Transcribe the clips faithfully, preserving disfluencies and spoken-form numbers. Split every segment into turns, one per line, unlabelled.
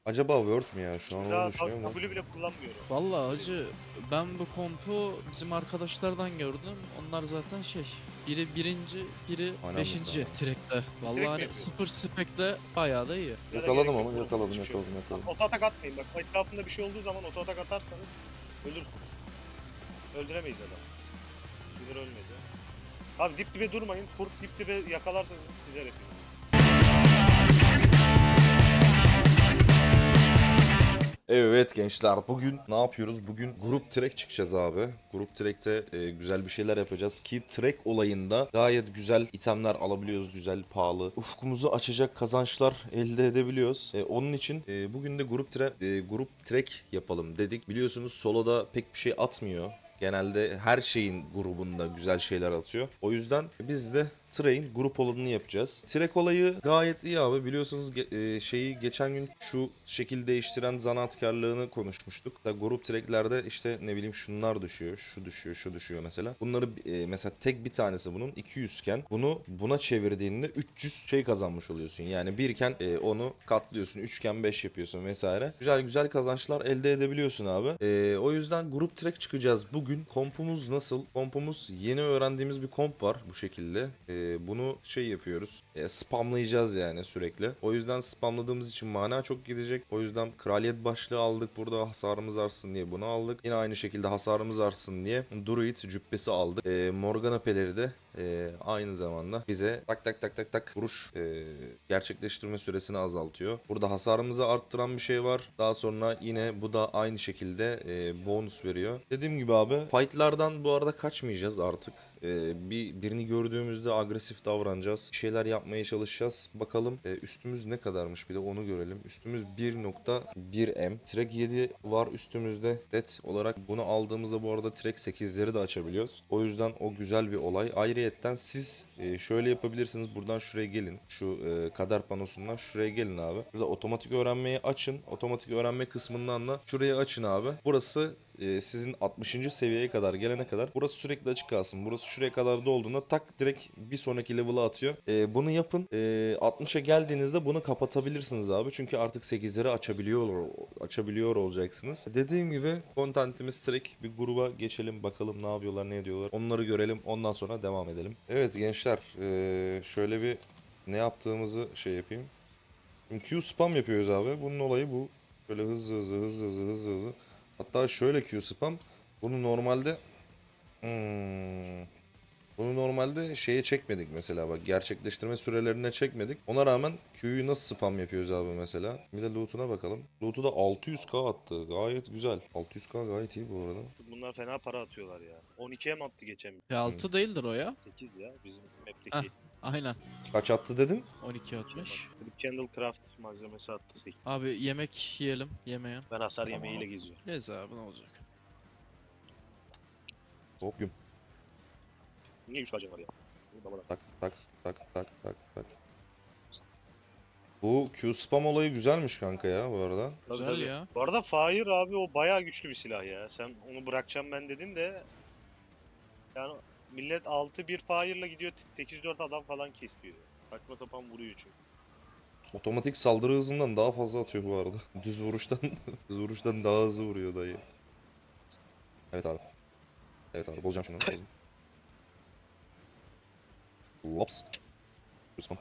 Acaba Word mü ya? Şu an onu
Daha
düşünüyorum da.
W bile kullanmıyorum.
Vallahi hacı ben bu kompu bizim arkadaşlardan gördüm. Onlar zaten şey biri birinci biri
Aynen
beşinci
mesela.
track'te. Vallahi
mi
hani
yapıyorlar?
sıfır spek'te bayağı da iyi.
Ya da
Yakaladım
gerek yok
ama
oğlum,
yakaladım
hiçbir şey yok.
yakaladım yakaladım.
Oto atak atmayın bak. Etrafında bir şey olduğu zaman oto atak atarsanız ölürsünüz. Öldüremeyiz adamı. Bizler ölmedi. Abi dip dibe durmayın. Kurt dip dibe yakalarsanız size hepiniz.
Evet gençler, bugün ne yapıyoruz? Bugün grup track çıkacağız abi. Grup track'te e, güzel bir şeyler yapacağız ki track olayında gayet güzel itemler alabiliyoruz, güzel pahalı. Ufkumuzu açacak kazançlar elde edebiliyoruz. E, onun için e, bugün de grup tra e, grup track yapalım dedik. Biliyorsunuz soloda pek bir şey atmıyor. Genelde her şeyin grubunda güzel şeyler atıyor. O yüzden biz de Train grup olanını yapacağız. Trek olayı gayet iyi abi. Biliyorsunuz ge- e, şeyi geçen gün şu şekil değiştiren zanaatkarlığını konuşmuştuk. Da grup treklerde işte ne bileyim şunlar düşüyor, şu düşüyor, şu düşüyor mesela. Bunları e, mesela tek bir tanesi bunun iki yüz iken bunu buna çevirdiğinde üç yüz şey kazanmış oluyorsun. Yani birken e, onu katlıyorsun, üçken beş yapıyorsun vesaire. Güzel güzel kazançlar elde edebiliyorsun abi. E, o yüzden grup trek çıkacağız bugün. Kompumuz nasıl? Kompumuz yeni öğrendiğimiz bir komp var bu şekilde. E, bunu şey yapıyoruz. E, spamlayacağız yani sürekli. O yüzden spamladığımız için mana çok gidecek. O yüzden kraliyet başlığı aldık. Burada hasarımız artsın diye bunu aldık. Yine aynı şekilde hasarımız artsın diye Druid cübbesi aldık. E, Morgana peleri de e, aynı zamanda bize tak tak tak tak tak vuruş e, gerçekleştirme süresini azaltıyor. Burada hasarımızı arttıran bir şey var. Daha sonra yine bu da aynı şekilde e, bonus veriyor. Dediğim gibi abi fightlardan bu arada kaçmayacağız artık. E, bir birini gördüğümüzde agresif davranacağız. Bir şeyler yapmaya çalışacağız. Bakalım e, üstümüz ne kadarmış bir de onu görelim. Üstümüz bir nokta bir M. Trek yedi var üstümüzde. Det olarak bunu aldığımızda bu arada Trek sekizleri de açabiliyoruz. O yüzden o güzel bir olay. Ayrıyetten siz e, şöyle yapabilirsiniz. Buradan şuraya gelin. Şu e, kader panosundan şuraya gelin abi. Burada otomatik öğrenmeyi açın. Otomatik öğrenme kısmından da şurayı açın abi. Burası e, sizin altmışıncı seviyeye kadar gelene kadar burası sürekli açık kalsın. Burası şuraya kadar dolduğunda tak direkt bir sonraki level'a atıyor. E, bunu yapın. E, altmışa geldiğinizde bunu kapatabilirsiniz abi. Çünkü artık sekizleri açabiliyor açabiliyor olacaksınız. Dediğim gibi contentimiz direkt bir gruba geçelim. Bakalım ne yapıyorlar, ne ediyorlar. Onları görelim. Ondan sonra devam edelim. Evet gençler. E, şöyle bir ne yaptığımızı şey yapayım. Şimdi Q spam yapıyoruz abi. Bunun olayı bu. Böyle hızlı hızlı hızlı hızlı hızlı hızlı. Hatta şöyle Q spam. Bunu normalde hmm, bunu normalde şeye çekmedik mesela bak gerçekleştirme sürelerine çekmedik. Ona rağmen Q'yu nasıl spam yapıyoruz abi mesela. Bir de loot'una bakalım. Loot'u da altı yüz K attı. Gayet güzel. altı yüz K gayet iyi bu arada.
Bunlar fena para atıyorlar ya. on ikiye mi attı geçen?
P altı değildir o ya.
sekiz ya bizim
Heh,
map'teki.
aynen.
Kaç attı dedin?
on iki atmış.
Flip Candle Craft malzemesi attı.
Abi yemek yiyelim. Yemeyen.
Ben hasar
Tamam.
yemeğiyle geziyorum.
Gez abi ne olacak.
Hop güm.
Niye üç bacım var ya? Burada bana.
Tak tak tak tak tak tak. Bu Q spam olayı güzelmiş kanka ya bu arada.
Tabii,
Güzel
tabii.
ya.
Bu arada Fire abi o bayağı güçlü bir silah ya. Sen onu bırakacağım ben dedin de yani millet altı bir Fire'la gidiyor sekiz dört adam falan kesiyor. Saçma sapan vuruyor çünkü.
Otomatik saldırı hızından daha fazla atıyor bu arada. Düz vuruştan düz vuruştan daha hızlı vuruyor dayı. Evet abi. Evet abi bozacağım şunu. Bozacağım. Lops. Rüstam.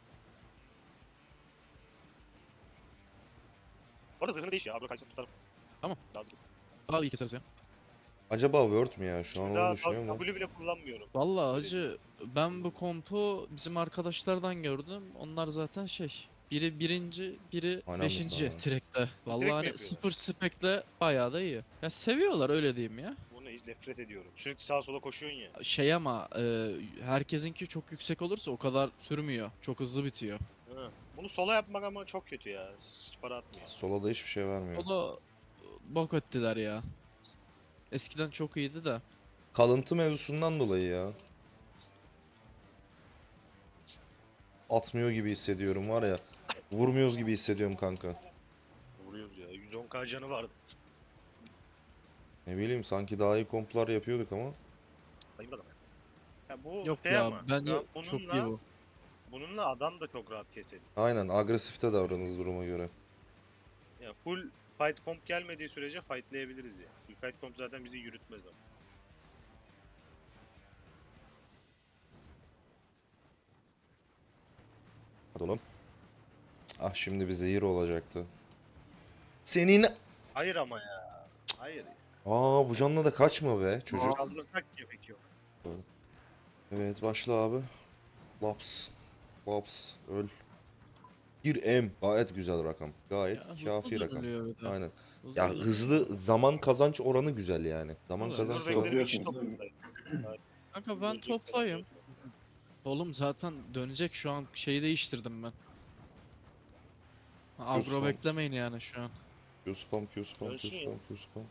Bu arada zırhını değiş ya. Abi kaysın tutarım.
Tamam.
Lazım.
Al iyi keseriz ya.
Acaba Word mü ya? Şu an onu
Daha
düşünüyorum da.
W bile kullanmıyorum.
Vallahi hacı ben bu kompu bizim arkadaşlardan gördüm. Onlar zaten şey biri birinci biri
Aynen
beşinci
mesela.
track'te. Vallahi
mi
hani
yapıyorlar?
sıfır spek'te bayağı da iyi. Ya seviyorlar öyle diyeyim ya.
Bunu hiç nefret ediyorum. Sürekli sağa sola koşuyorsun ya.
Şey ama e, herkesinki çok yüksek olursa o kadar sürmüyor. Çok hızlı bitiyor.
Hı. Bunu sola yapmak ama çok kötü ya. Hiç para atmıyor.
Sola da hiçbir şey vermiyor.
O da e, bok ettiler ya. Eskiden çok iyiydi de.
Kalıntı mevzusundan dolayı ya. Atmıyor gibi hissediyorum var ya. Vurmuyoruz gibi hissediyorum kanka.
Vuruyoruz ya. yüz on K canı vardı.
Ne bileyim sanki daha iyi komplar yapıyorduk ama.
Sayın adam. Ya bu
Yok
şey
ya
ama.
bence
ya
çok iyi
bununla,
bu.
bununla adam da çok rahat keser.
Aynen agresifte davranırız duruma göre.
Ya full fight comp gelmediği sürece fightlayabiliriz ya. Full fight comp zaten bizi yürütmez ama.
Hadi oğlum. Ah şimdi bir zehir olacaktı. Senin...
Hayır ama ya. Hayır.
Aa bu canla da kaçma be çocuk.
Kaldırırsak gerek yok.
Evet başla abi. Laps. Laps. Öl. Bir M. Gayet güzel rakam. Gayet
Ya hızlı
kafi rakam.
dönülüyor bir de.
Aynen.
Hızlı
Ya
dönülüyor.
hızlı zaman kazanç oranı güzel yani. Zaman
Evet.
kazanç
Sinir
oranı.
bekleri bir kişi
Topluyorsunuz değil mi?
toplayın.
Kanka ben toplayayım. Oğlum zaten dönecek şu an şeyi değiştirdim ben. Agro
Diyorsun.
beklemeyin yani şu an.
Q spam, Q spam, Q
Dönsün ya.
spam, Q spam.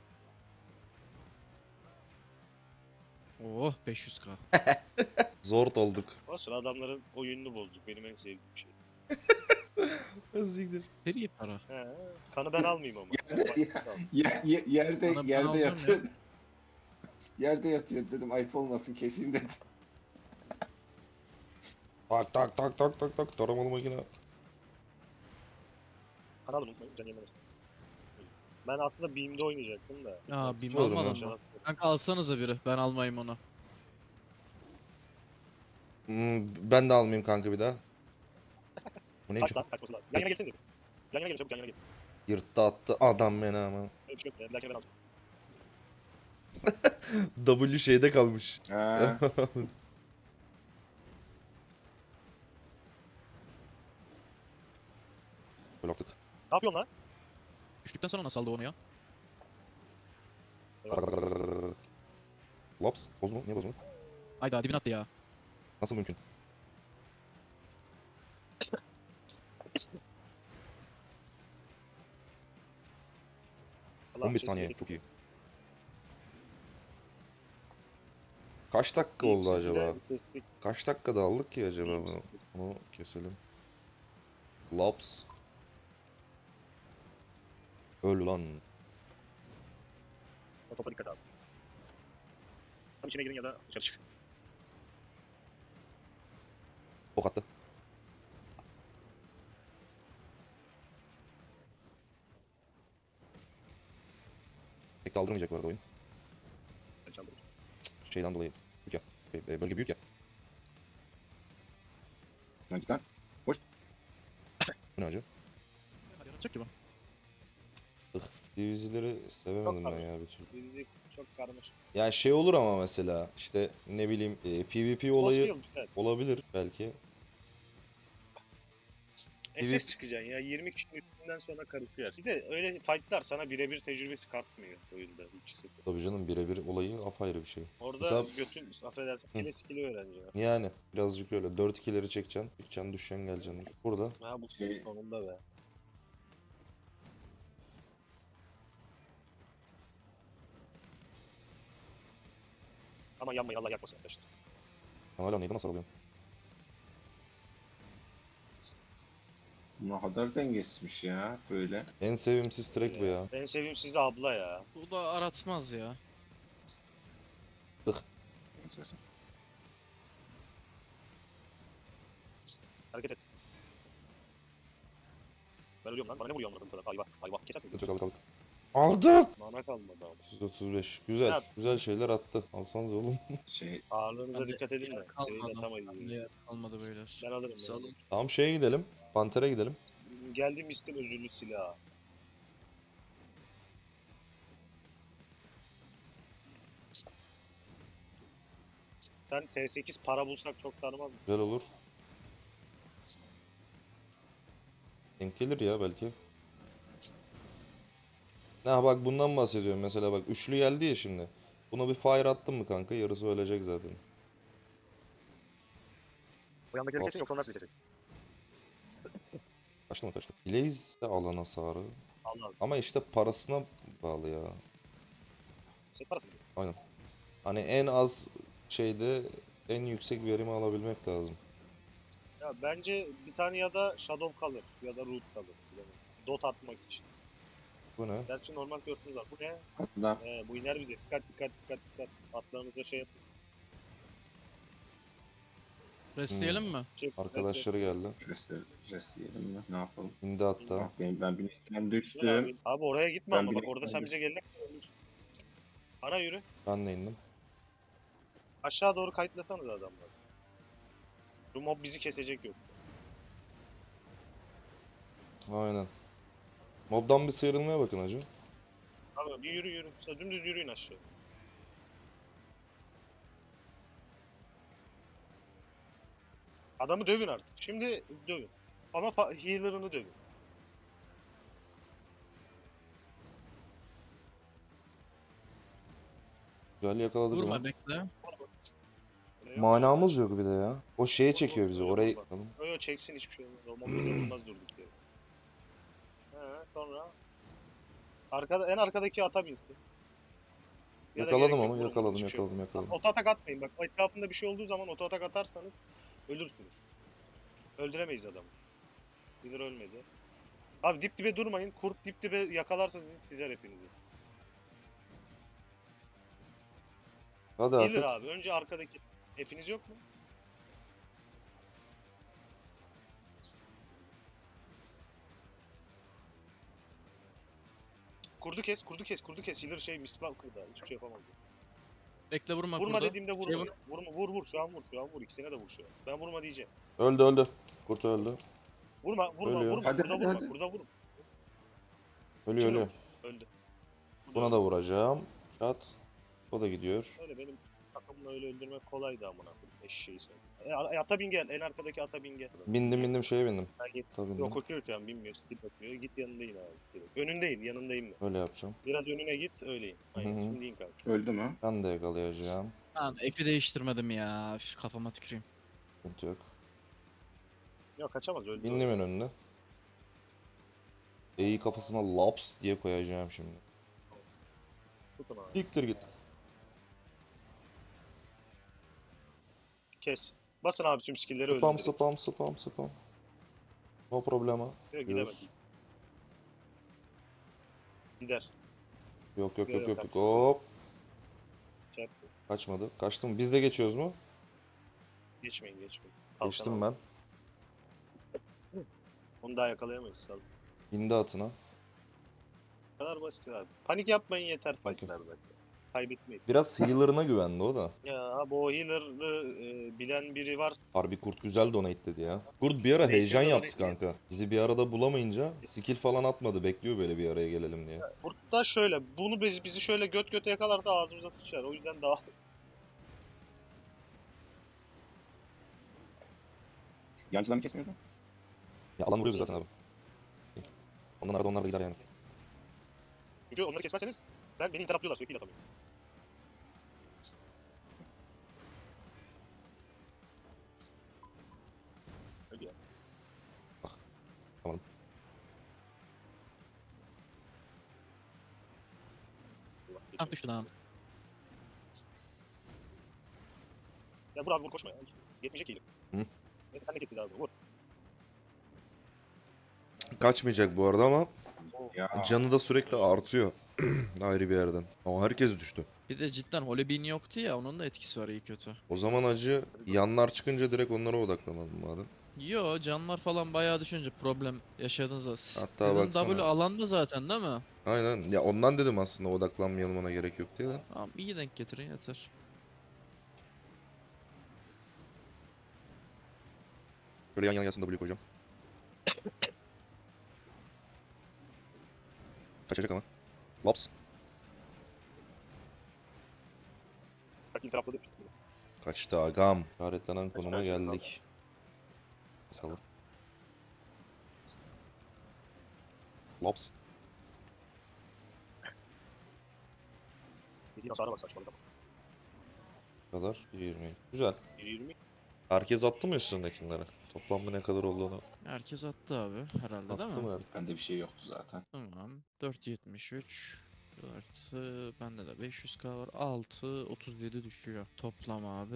Oh beş yüz k.
Zor olduk.
O sıra adamların oyununu bozduk. Benim en sevdiğim şey.
Azigdir.
Seri para.
He. Kanı ben almayayım ama. Ben
Ya-
fight al.
Ye- ye- yerde
Bana- ben
yerde
alacağım
yatıyor. Yerde yatıyor dedim ayıp olmasın keseyim dedim.
Tak tak tak tak tak tak. Taramalı makine.
Kanı alın unutmayın. Can yemesin. Ben aslında Beam'de oynayacaktım da.
Ya bim
Olur mu?
almadın mı? Kanka alsanıza biri. Ben almayayım onu.
Hmm, ben de almayayım kanka bir daha. Bu neymiş?
Kaç lan kaçması lazım. Yan yana gelsene dedim. Yan yana gelin çabuk yan yana gelin.
Yırttı attı adam beni ama.
Öyle bir şey yok ya. Bir dahakine ben alacağım.
W şeyde kalmış.
Ha,
Böyle yaptık.
Ne yapıyorsun lan?
Düştükten sonra nasıl aldı onu ya?
Laps. Bozma. Niye bozma?
Hayda dibine attı ya.
Nasıl mümkün?
Allah
on bir
şey
saniye.
dedik.
Çok iyi. Kaç dakika oldu acaba?
Kestik.
Kaç dakikada aldık ki acaba bunu? Bunu keselim. Laps. Öl lan.
O topa dikkat abi. Tam içine girin ya da dışarı çık.
Ok attı. Pek de aldırmayacak bu arada oyun.
Ben çaldırırım.
Şeyden dolayı. Büyük ya. Şey, e, Bölge büyük ya.
lan cidden.
Bu ne acı?
Hadi yaratacak ki bu.
Divizileri sevemedim
Çok
ben ya bir türlü.
Bizi çok karmaşık.
Ya şey olur ama mesela işte ne bileyim e, PvP olayı
Bozuyor, güzel.
olabilir belki.
Efekt çıkacaksın ya. yirmi kişinin üstünden sonra karışıyor. Bir de öyle fightlar sana birebir tecrübesi katmıyor oyunda. İkisi.
Tabii canım birebir olayı apayrı bir şey.
Orada
Mesela-
götün affedersin
Hı.
kile skill'i öğreniyor.
Yani birazcık öyle. dört ikileri çekeceksin. Çıkacaksın, düşeceksin, geleceksin. Burada
Ha bu
Şey-
sonunda be. Ama yanmayın Allah yakmasın arkadaşlar.
sen hala neydi nasıl alıyorum?
Ne kadar dengesizmiş ya böyle.
En sevimsiz track bu ya.
En sevdiğim sizde abla ya.
Bu da aratmaz ya.
Hareket et. Ben ölüyorum lan. Bana ne vuruyor anladın kadar? Ayva. Ayva. Kesersin.
Aldık aldık aldık. Aldık!
Mana kalmadı ama.
yüz otuz beş. Güzel.
Ya-
Güzel şeyler attı. Alsanız oğlum.
Şey
Ağırlığınıza
Bende
dikkat edin de.
yer
Şeyi
kalmadı.
atamayız.
Bende yer kalmadı beyler.
Ben alırım. Ben
Salın.
alırım.
Tamam şeye gidelim. Panter'e gidelim.
Geldiğim istim özürlü silah. Sen T sekiz para bulsak çok tanımaz mısın?
Güzel olur. Denk gelir ya belki. Ha bak bundan bahsediyorum mesela bak üçlü geldi ya şimdi. Buna bir fire attın mı kanka yarısı ölecek zaten.
O yandakileri
Bas.
kesin yoksa onlar sizi kesin.
Kaçtı mı kaçtı? Blaze de alan hasarı.
Allah.
Ama işte parasına bağlı ya.
Set parası mı?
Hani en az şeyde en yüksek verimi alabilmek lazım.
Ya bence bir tane ya da Shadow kalır ya da Root kalır. Bilemedim. Dot atmak için.
Bu ne?
Gerçi normal görsünüz var. Bu ne?
hatta
Ee, bu iner bize. Dikkat dikkat dikkat dikkat. Atlarınıza şey yapın.
Restleyelim mi?
Çek,
Arkadaşları geldi.
Rest, rest yiyelim mi? Ne yapalım?
İndi hatta.
Bak benim, ben binikten
Abi.
düştüm.
abi oraya gitme
Ben
ama bak
binek
orada sen bize
almışım.
gelene kadar. Ana yürü.
Ben de indim.
Aşağı doğru kayıtlasanız adamlar. Bu mob bizi kesecek yok.
Aynen. Mobdan bir sıyrılmaya bakın hacı.
Abi bir yürü yürü. Sen dümdüz yürüyün aşağı. Adamı dövün artık. Şimdi dövün. Ama fa- healer'ını dövün.
Güzel yakaladık
Vurma
onu.
bekle.
Öyle yok.
Manamız yok bir de ya. O şeye çekiyor bizi. Orayı...
Yo yo çeksin hiçbir şey olmaz. O mob bize vurmaz durduk yere. He sonra. Arkada, en arkadaki ata binsin. Ya da
Yakaladım
gerek yok,
onu.
vurun,
Yakaladım
hiçbir şey yok.
yakaladım yakaladım.
Oto atak atmayın bak. Etrafında bir şey olduğu zaman oto atak atarsanız ölürsünüz. Öldüremeyiz adamı. Bilir ölmedi. Abi dip dibe durmayın. Kurt dip dibe yakalarsa sizler hepinizi.
Hadi
Gelir
artık.
abi. Önce arkadaki. Hepiniz yok mu? Kurdu kes, kurdu kes, kurdu kes. Healer şey misbah kırdı. Hiçbir şey yapamaz.
Bekle vurma
Vurma
kurda.
dediğimde vurma.
Şey vur.
Vurma, vur vur. Şu an vur, şu an vur. İkisine de vur şu an. Ben vurma diyeceğim.
Öldü öldü. Kurt öldü.
Vurma, vurma,
Ölüyor.
vurma.
Hadi,
burada
hadi,
vurma,
hadi.
burada vurma.
Ölüyor
Kim
ölüyor.
Öldü.
Buna da vuracağım. Çat. O da gidiyor.
Öyle benim takımla öyle öldürmek kolaydı amına koyayım. Eşeği sen. E, a- ata bin gel. En arkadaki ata bin gel.
Bindim bindim şeye bindim.
Ha, git.
Tabii bindim.
Yok okuyor şu an bilmiyor. Git bakıyor. Git yanındayım abi. Direkt. Önündeyim, yanındayım ben.
Öyle yapacağım.
Biraz önüne git, öyleyim. Aynen,
Hı hı.
şimdi in kanka.
Öldü mü?
Ben de yakalayacağım.
Tamam epi değiştirmedim ya. Üf, kafama tüküreyim.
Sıkıntı yok.
Yok kaçamaz, öldü.
Bindim en önüne. E'yi kafasına laps diye koyacağım şimdi.
Tutun abi.
Siktir git.
Kes. Basın abi tüm skill'leri öldür.
Spam
direkt.
spam spam spam. No problema.
Yok,
Diyoruz.
gidemez. Gider.
Yok yok yok
Yok,
yok
yok,
yok. Hop.
Çarptı.
Kaçmadı. Kaçtım. Biz de geçiyoruz mu?
Geçmeyin, geçmeyin. Kalkan
Geçtim
abi.
ben.
Onu daha yakalayamayız sal.
İndi atına.
Bu kadar basit abi. Panik yapmayın yeter
Okey.
fightlarda. Kaybetmeyin.
Biraz healer'ına güvendi o da.
Ya abi o healer'ı e, bilen biri var.
Harbi kurt güzel donate dedi ya. Kurt bir ara
Ne
heyecan
işe
yaptı
donate ya?
kanka. Bizi bir arada bulamayınca skill falan atmadı. Bekliyor böyle bir araya gelelim diye.
Burada şöyle, bunu bizi, bizi şöyle göt göte yakalar da ağzımıza sıçar. O yüzden daha...
Yancılarını kesmiyoruz mu?
Ya alan vuruyor zaten abi. Ondan arada onlar da gider yani.
Çünkü onları kesmezseniz ben beni interaplıyorlar sürekli atamıyorum. Öyle ya.
Tamam.
Allah,
Ah
geçelim.
düştü lan.
Ya vur abi vur koşma ya. Yetmeyecek iyiyim.
Hı.
Neyse sen de kesin abi vur.
Kaçmayacak bu arada ama
Ya
canı da sürekli artıyor. Ayrı bir yerden. Ama herkes düştü.
Bir de cidden Holbein yoktu ya onun da etkisi var iyi kötü.
O zaman acı yanlar çıkınca direkt onlara odaklanalım madem.
Yo canlar falan bayağı düşünce problem yaşadınız.
Hatta
Hatta
baksana.
W alanda zaten değil mi?
Aynen. Ya ondan dedim aslında odaklanmayalım ona gerek yok diye de.
Tamam iyi denk getirin yeter.
Böyle yan yana gelsin W koyacağım. Kaçacak ama. Laps.
Bak interapladı.
Kaçtı agam. İşaretlenen konuma geldik. Basalım. Laps.
Dediğin hasara bak saçmalık.
Bu kadar. yirmi. Güzel.
yirmi.
Herkes attı mı üstündekileri? Toplamda ne kadar olduğunu
Herkes attı abi herhalde değil
attı
mi?
mı?
bende bir şey yoktu zaten.
Tamam. dört yetmiş üç. dört bende de beş yüz K var. altı otuz yedi düşüyor. Toplam abi.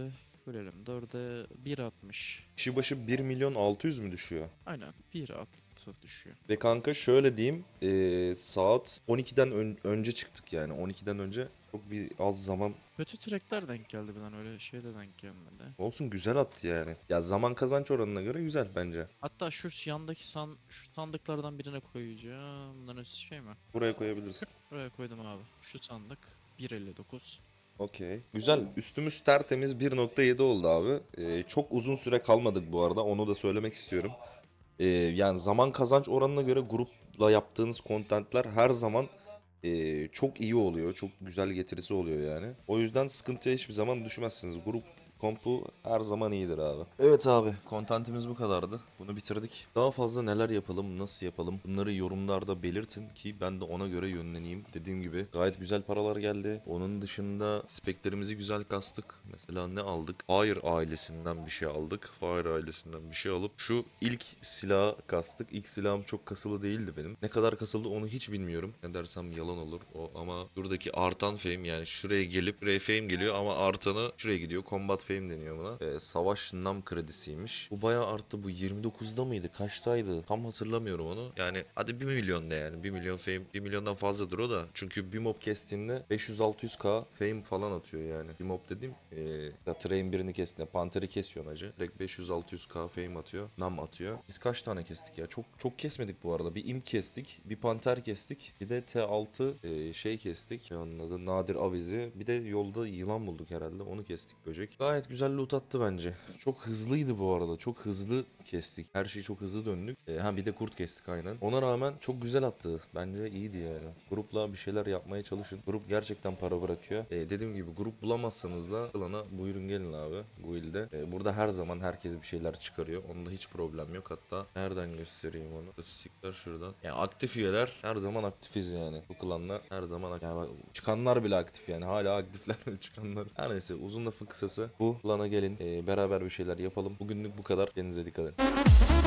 Bölelim. dörde bir altmış.
Kişi başı bir milyon altı yüz mü düşüyor?
Aynen. bir altı düşüyor.
Ve kanka şöyle diyeyim, eee, saat on ikiden ön- önce çıktık yani. on ikiden önce çok bir az zaman
Kötü trackler denk geldi bir lan, öyle şey de denk gelmedi.
olsun, güzel attı yani. Ya zaman kazanç oranına göre güzel bence.
Hatta şu yandaki san, şu sandıklardan birine koyacağım. Bunların hepsi şey mi?
Buraya koyabilirsin.
Buraya koydum abi. Şu sandık bir elli dokuz.
Okey. Güzel. Üstümüz tertemiz bir nokta yedi oldu abi. Ee, çok uzun süre kalmadık bu arada. Onu da söylemek istiyorum. Ee, yani zaman kazanç oranına göre grupla yaptığınız kontentler her zaman ee, çok iyi oluyor. Çok güzel getirisi oluyor yani. O yüzden sıkıntıya hiçbir zaman düşmezsiniz. Grup kompu her zaman iyidir abi. Evet abi, kontentimiz bu kadardı. Bunu bitirdik. Daha fazla neler yapalım, nasıl yapalım, bunları yorumlarda belirtin ki ben de ona göre yönleneyim. Dediğim gibi gayet güzel paralar geldi. Onun dışında speklerimizi güzel kastık. Mesela ne aldık? Fire ailesinden bir şey aldık. Fire ailesinden bir şey alıp şu ilk silahı kastık. İlk silahım çok kasılı değildi benim. Ne kadar kasıldı onu hiç bilmiyorum. Ne dersem yalan olur. O ama buradaki artan fame, yani şuraya gelip buraya fame geliyor ama artanı şuraya gidiyor. Combat fame deniyor buna. Ee, savaş nam kredisiymiş. Bu bayağı arttı. Bu yirmi dokuzda mıydı? Kaçtaydı? Tam hatırlamıyorum onu. Yani hadi bir milyon de yani. bir milyon fame. bir milyondan fazladır o da. Çünkü bir mob kestiğinde beş yüz altı yüz k fame falan atıyor yani. Bir mob dediğim ee, ya train birini kestiğinde Panther'i kesiyorsun acı. Direkt beş yüz altı yüz k fame atıyor. Nam atıyor. Biz kaç tane kestik ya? Çok çok kesmedik bu arada. Bir imp kestik. Bir Panther kestik. Bir de T altı ee, şey kestik. Onun adı Nadir Avizi. Bir de yolda yılan bulduk herhalde. Onu kestik, böcek. Gayet güzel loot attı bence. Çok hızlıydı bu arada. Çok hızlı kestik. Her şeyi çok hızlı döndük. Ee, ha bir de kurt kestik aynen. Ona rağmen çok güzel attı. Bence iyiydi yani. Grupla bir şeyler yapmaya çalışın. Grup gerçekten para bırakıyor. Ee, dediğim gibi grup bulamazsanız da klana buyurun gelin abi. Bu ilde. Ee, burada her zaman herkes bir şeyler çıkarıyor. Onda hiç problem yok. Hatta nereden göstereyim onu? Statistikler şuradan. Yani aktif üyeler her zaman aktifiz yani. Bu klanla her zaman aktif. Yani bak, çıkanlar bile aktif yani. Hala aktifler çıkanlar. Her neyse, uzun lafın kısası bu. Klana gelin. Ee, beraber bir şeyler yapalım. Bugünlük bu kadar. Kendinize dikkat edin.